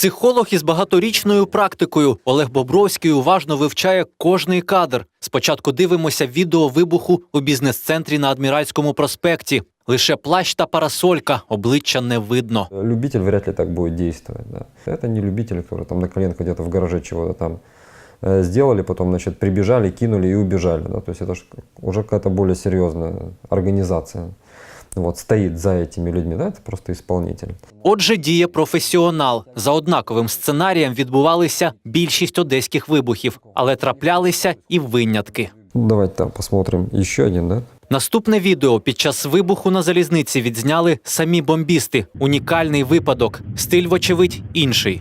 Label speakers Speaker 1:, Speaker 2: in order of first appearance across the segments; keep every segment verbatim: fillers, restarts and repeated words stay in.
Speaker 1: Психолог із багаторічною практикою Олег Бобровський уважно вивчає кожний кадр. Спочатку дивимося відео вибуху у бізнес-центрі на Адміральському проспекті. Лише плащ та парасолька, обличчя не видно.
Speaker 2: Любитель вряд ли так будет действовать. Да. Это не любитель, который там на коленках где-то в гараже чего-то там э, сделали, потом, значит, прибежали, кинули и убежали. Да. То есть это уже какая-то более серьезная организация. Вот, стоит за этими людьми, да, это просто исполнитель.
Speaker 1: Отже, діє професіонал. За однаковим сценарієм відбувалися більшість одеських вибухів, але траплялися і винятки.
Speaker 2: Давайте там посмотрим еще один, да?
Speaker 1: Наступне відео під час вибуху на залізниці відзняли самі бомбісти. Унікальний випадок. Стиль, вочевидь, інший.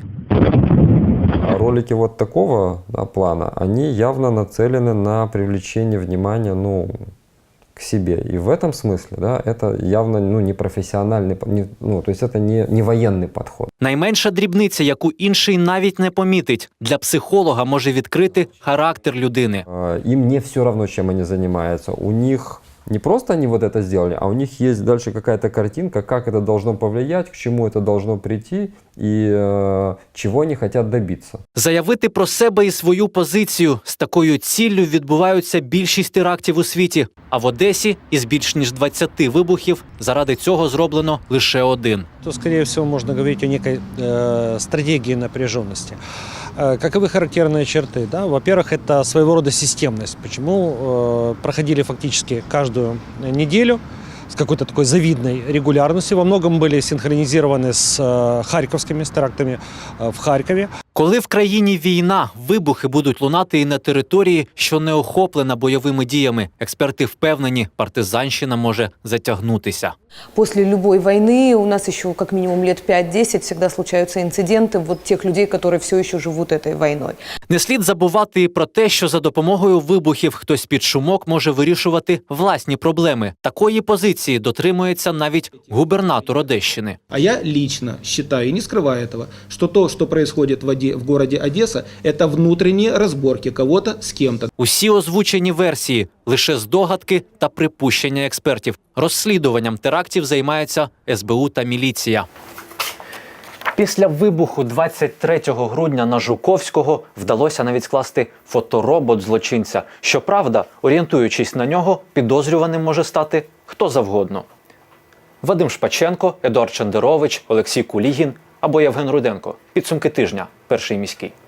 Speaker 2: Ролики вот такого, да, плана, они явно нацелены на привлечение внимания, ну, к себе. И в этом смысле, да, это явно, ну, не профессиональный, не, ну, то есть это не, не военный подход.
Speaker 1: Найменша дрібниця, яку інший навіть не помітить, для психолога може відкрити характер людини.
Speaker 2: Им не все равно, чем они занимаются. У них не просто они вот это сделали, а у них есть дальше какая-то картинка, как это должно повлиять, к чему это должно прийти и э, чего они хотят добиться.
Speaker 1: Заявити про себе і свою позицію – з такою ціллю відбуваються більшість терактів у світі. А в Одесі із більш ніж двадцяти вибухів заради цього зроблено лише один.
Speaker 3: То, скорее всего, можно говорить о некой э, стратегии напряженности. Э, каковы характерные черты? Да? Во-первых, это своего рода системность. Почему э, проходили фактически каждую неделю с какой-то такой завидной регулярностью. Во многом были синхронизированы с э, харьковскими, с терактами э, в Харькове.
Speaker 1: Коли в країні війна, вибухи будуть лунати і на території, що не охоплена бойовими діями. Експерти впевнені, партизанщина може затягнутися.
Speaker 4: После любой войны у нас еще как минимум лет пять-десять всегда случаются инциденты вот тех людей, которые все еще живут этой войной.
Speaker 1: Не слід забувати і про те, що за допомогою вибухів хтось під шумок може вирішувати власні проблеми. Такої позиції дотримується навіть губернатор Одещини.
Speaker 5: А я лично считаю, и не скрываю этого, что то, что происходит в, Оде, в городе Одесса, это внутренние разборки кого-то с кем-то.
Speaker 1: Усі озвучені версії – лише здогадки та припущення експертів. Розслідуванням терактів займаються ес бе у та міліція. Після вибуху двадцять третього грудня на Жуковського вдалося навіть скласти фоторобот злочинця. Щоправда, орієнтуючись на нього, підозрюваним може стати хто завгодно. Вадим Шпаченко, Едуард Чендерович, Олексій Кулігін або Євген Руденко. Підсумки тижня. Перший міський.